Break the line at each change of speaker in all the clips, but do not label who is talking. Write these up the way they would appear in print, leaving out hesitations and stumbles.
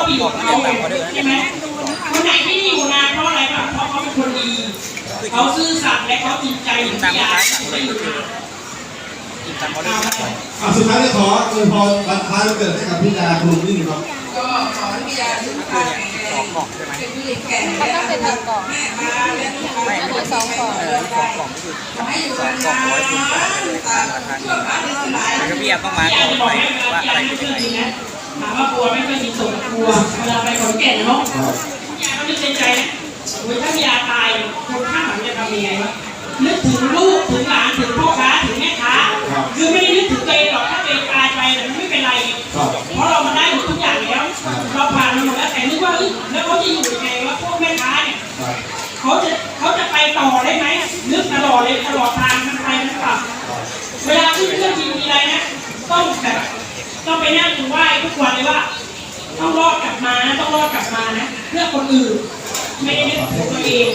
ไปอยู่กับเขาใช่ไหมคนไหนที่อยู่นานเพราะอะไรบ้างเพราะเขาเป็นคนดีเขาซื่อสัตย์และเขาจริงใจอย่างที่อยากไม่อยู่
สุดท้ายนี้ขออวยพรวันคล้ายวันเกิดให้กับพี่ดาคุณนี่ครับ
ก็ขอให้พี่ดาทุกท่านเป็นผู้หญิงแก่เขาต้องเป็น1 กล่องไม่2 กล่องขอให้อยู่นานๆตามช่วงการสลาย
แล้วก็พี่แอมต้องมาบอกไปว่าอะไรเป็นยังไง
ถามว่ากลัวไม่เคยมีส่วนกลัวเวลาไปขอนแก่นเนาะยาก็นึกในใจนะถ้ายาตายคนข้างหลังจะทำยังไงวะนึกถึงลูกถึงหลานถึงพ่อค้าถึงแม่ค้าคือไม่ได้นึกถึงตัวเองหรอกถ้าตัวเองตายไปแต่ไม่เป็นไรเพราะเรามาได้หมดทุกอย่างแล้วเราผ่านมาหมดแล้วแต่นึกว่าแล้วเขาจะอยู่ยังไงวะพวกแม่ค้าเนี่ยเขาจะไปต่อได้ไหมนึกตลอดเลยตลอดทางมันไปมันกลับเวลาขึ้นเครื่องบินมีอะไรนะต้องไปนั่งไหว้ทุกวันเลยว่าต้องรอดกลับมานะต้องรอดกลับมานะเพื่อคนอื่นไม่ได้นึกถึงตัวเอง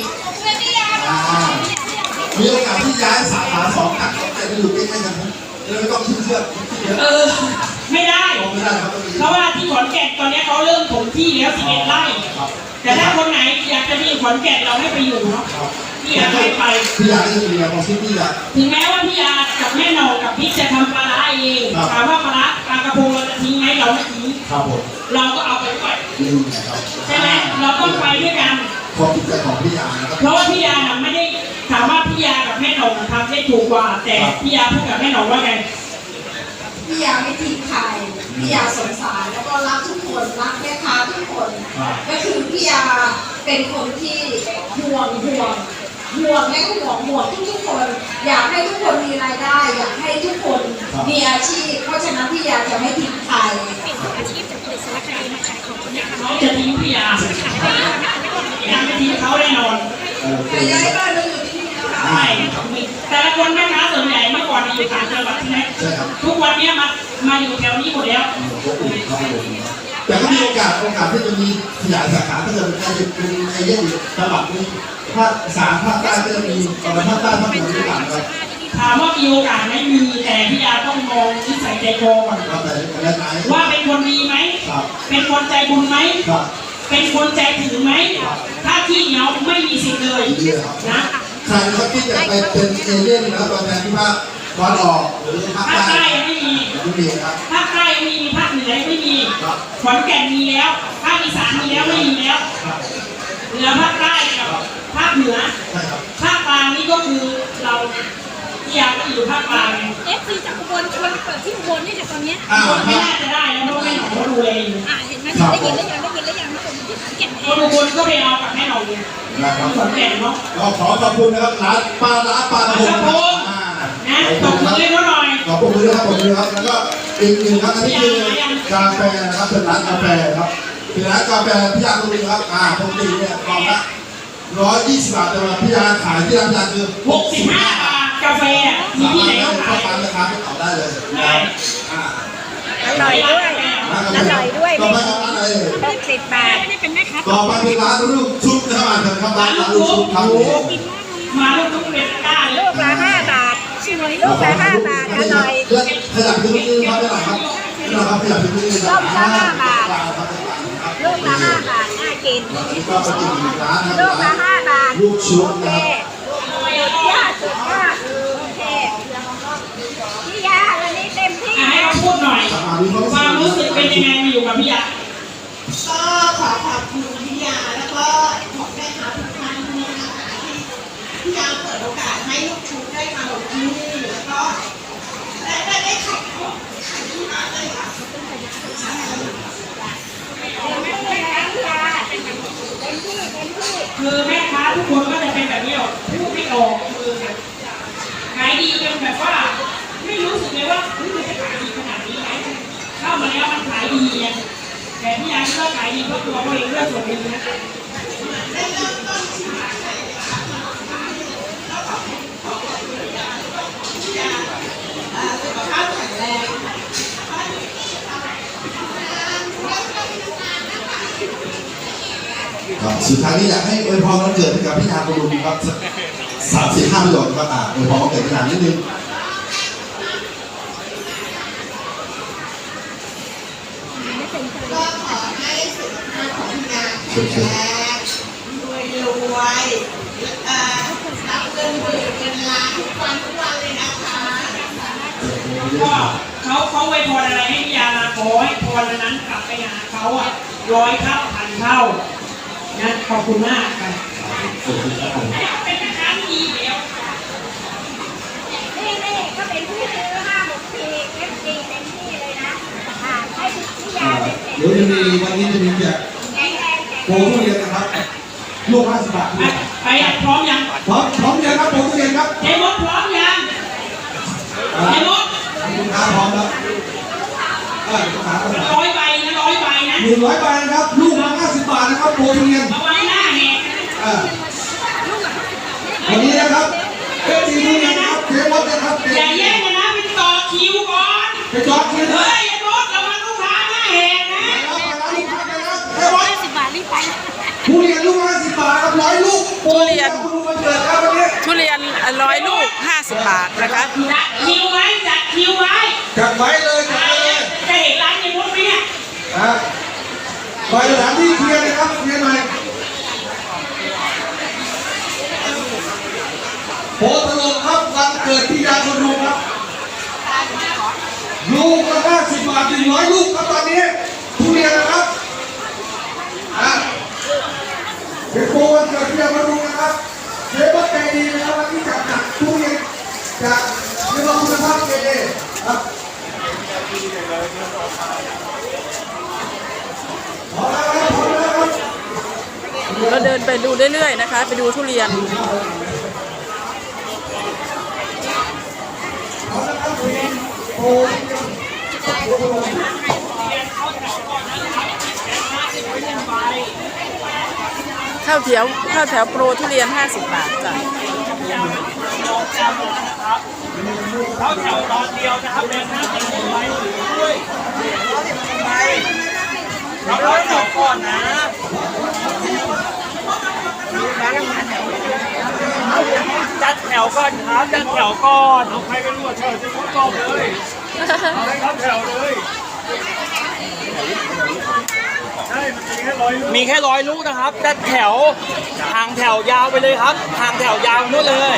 มีโอกาสที่ย้ายสาขา2จากแต่ไปอยู่ใกล้ๆกันเลยไม่ต้องขึ้นเครื่อง
ไม่ได้เพราะว่าที่ขอนแก่นตอนนี้เขาเริ่มถมที่แล้ว11 ไร่แต่ถ้าคนไหนอยากจะมีขอนแก่นเราให้ไปอยู่เนาะพี่ยาให้ไป
พี่ยาจะมีอะไรที่พี่ยา
ถึงแม้ว่าพี่ยากับแม่หนองกับพี่จะทำปลาร้าเองถามว่าปลากระพงเราจะทิ้งไหมเราไม่ทิ้งเราก็เอาไปด้วยใช่ไหมเราต้องไปด้วยกัน
ความจิตใจของพี่ยา
เพราะว่าพี่ยาไม่ได้ถามว่าพี่ยากับแม่หนองทำได้ถูกกว่าแต่พี่ยาพูดกับแม่หนองว่าไง
พี่ยาไม่ทิ้งใครพี่ยาสงสารแล้วก็รักทุกคนรักแม่ค้าทุกคนก็คือพี่ยาเป็นคนที่ห่วงและก็ห่วงทุกคนอยากให้ทุกคนมีรายได้อยากให้ทุกคนมีอาชีพเพราะฉะนั้นพี่ยาจะไม่ทิ้งใคร
อาชีพจะผลิตสารคดีมาขายของคนนี้ค่ะ
เขาจะทิ้งพี่ยาไม่ทิ้งเขาแน่นอน
แต่ย้ายบ้านมาอยู่ที่นี่แล้วค่ะ
ใช่แต่ละคนแม่ค้าส่วนใหญ่เมื่อก่อนอยู่ต่างจังหวัดใช่ไหมทุกวันนี้มาอยู่แถวนี้หมดแล้ว
แต่ก็มีโอกาสที่จะมีขยายสาขาถ้าเกิดเป็นไอเดียจังหวัดนี้ภาค3ภาคใต้ก็จะมีภาคใต้ภาคเหนือที่ต่างกัน
ถามว่ามีโอกาสไม่มีแต่พี่ยาต้องมองนิสัยใจคอก่อนว่าเป็นคนดีไหมเป็นคนใจบุญไหมเป็นคนใจถึงไหมถ้าที่เหนียวไม่มีสิทธิ์เลยนะ
ใครเขาคิดจะไปเป็นเอเลี่ยนแล้วตอนนี้ที่ภาคตอนออกหรือภาคใต้
ไม่มี
ครับ
ภาคใต้ไม่มีภาคเหนือไม่มีขอนแก่นมีแล้วภาคอีสานมีแล้วไม่มีแล้วเหลือภาคใต้กับภาคเหนือภาคกลางนี่ก็คือเราที่อยากอยู่ภาคกลาง
FC จากอุบลชวนเปิดที่อุบลนี่จากตอนนี้
ไม่น่าจะได้แล้วเพราะแม่หนองเขาดูแลอยู่
เห็นไหมได้ยินแล้วยังคนที่ขอนแก่น
คนอุบลก็ไปเอากับแม่หนองอยู่ขอนแก่นเนาะ
ก็ขอขอบคุณนะครับร้านปลาระพง
นะตบมือให้เขาหน่อย
ขอบคุณนะครับแล้วก็อีกหนึ่งครับอันนี้คือกาแฟนะครับเป็นร้านกาแฟครับเป็นร้านกาแฟพี่ยาตรงนี้ครับปกติเนี่ยกล่องละ120 บาทแต่ว่าพี่ยาขายที่ร้านพี่ยาคือ
65 บาทกาแฟมีที่ไหนก็ขาย
ราคาไม่ต่อได้เลย
อร่อยด้วย
ต่อไปกับร้านอะไร
10 บาทไม่เป็นแม่ค้า
ต่อไปเป็นร้านลูกชุบนะครับร้านลูกชุบครับ
มาลูกชุบเป็นก้า
ลูกละ5 บาทสวยลูกละ5 บาทอร่อย
ขยับขึ้นนิดนึงครับได้ไหมครับนะครับขยับขึ้นนิดนึง
ลูกละ5 บาทลูกละ5 บาทน่ากิน
ก็ไปกินอีกร้านนะ
ลูกละ5 บาท
ลูกชุบนะครับ
สุดยอดโอเคพี่ยาวันนี้เต็มที่
ให้เขาพูดหน่อยความรู้สึกเป็นยังไงมาอยู่กับพี่ยา
ก็ขอขอบคุณพี่ยาแล้วก็ขอแม่ค้าทุกท่านที่นะคะที่พี่ยาเปิดโอกาสให้ลูกชุบได้มาลงที่นี่แล้วก็ได้ขายของที่ร้านเลยค่ะ
คือแม่ค้าทุกคนก็จะเป็นแบบนี้พูดไม่ออกคือขายดีจนแบบว่าไม่รู้สึกเลยว่ามันจะขายดีขนาดนี้ไหมเข้ามาแล้วมันขายดีแต่พี่ยาก็ขายดีเพราะตัวเขาเองเรื่องส่วนดีนะ
สุขภาพแข็งแรง
สุดท้ายนี้อยากให้อวยพรวันเกิดให้กับพี่ยาคุณลุงครับ35 ประโยคครับอวยพรวันเกิดพี่ยานิดนึง
ก็ขอให้สุขภรวยรวยรับเงินหมื่นเงินล้านทุกวันเลยนะคะ
ก็เขาไว้พรอะไรให้พี่ยามาขอให้พรนั้นกลับไปหาเขาอ่ะ100 เท่าพันเท่านะขอบคุณมากค่ะเป็นแม่ค้าที่ดีแล้ว
นี่ก็เป็นผู้ซื้อ5-6 ทีเอฟซีเต็มที่เลยนะให้พี่ยาเป็น
เดี๋ยวจะมีวันนี้จะมีแจก
แข็งแรง
โปรทุเรียนนะครับลูก50 บาท
ไปพร้อมยัง
พร้อมยังครับโปรทุเรียนครับ
เจมส์พร้อมยังเจมส์
ลูกค้าพร้อมแล้วลูกค้าพร้อมแล้ว
100 ใบนะ100 ใบนะ
100 ใบนะครับลูกละ50 บาทนะครับโปรทุเรียน
เอาไว้หน้าแหก
วันนี้นะครับเป็นทีทุเรียนนะครับเทมดนะครับ
อย่าแย่งกันนะไปต่อคิวก่อน
ไปจอดคิว
เฮ้ยไอ้รถระวังลูกค้าหน้าแหกนะ
50 บาทรีบไป
ทุเรียนลูกละ50 บาทครับ100 ลูกทุเรียนวันเกิดครับวันนี้
ทุเรียน100 ลูก 50 บาทนะคะ
จัดคิวไว้จัดคิวไว้
จัดไว้เลยจัด
ตาย
ไว้เล
แล้ว
ย
จะเห็นร้านเจมส์ไหมเนี่ย
ไปสถานที่เคลียร์นะครับเคลียร์หน่อยโพสต์ลงครับวันเกิดที่ยาชนลุงครับลูกละ50 บาท100 ลูกครับตอนนี้ทุเรียนนะครับเป็นโปรวันเกิดที่ยาชนลุงนะครับเชฟใจดีนะครับวันนี้จัดหนักทุเรียนจากเรื่องคุณภาพเกเรครับพอแล้วครับพอแล้วครับ
เราเดินไปดูเรื่อยๆนะคะ ไปดูทุเรียน ข้าวแถวโปรทุเรียน 50 บาทจ้ะ
เขาแถวตอนเดียวนะครับเป็นหน้าเป็นใบด้วยเราแถวก่อนนะจัดแถวก่อนครับจัดแถวก่อนเอาใครเป็นหัวแถวจะมุดกอบเลยเอาให้ครับแถวเลยใช่มันมีแค่ร้อยลูกนะครับจัดแถวทางแถวยาวไปเลยครับทางแถวยาวนู่นเลย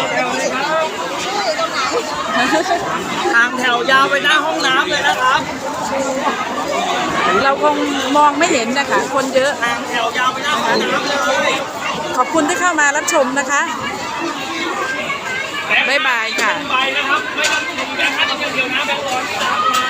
ทางแถวยาวไปหน้าห้องน้ำเลยนะครับ
เราคงมองไม่เห็นนะคะ คนเยอะ
ทางแถวยาวไปหน้าห้องน้ำเลย
ขอบคุณที่เข้ามารับชมนะคะ บ๊ายบายค่ะ
ไปนะครับไม่ต้องถึงแบงค์500เดียวนะแบงค์100ตามมา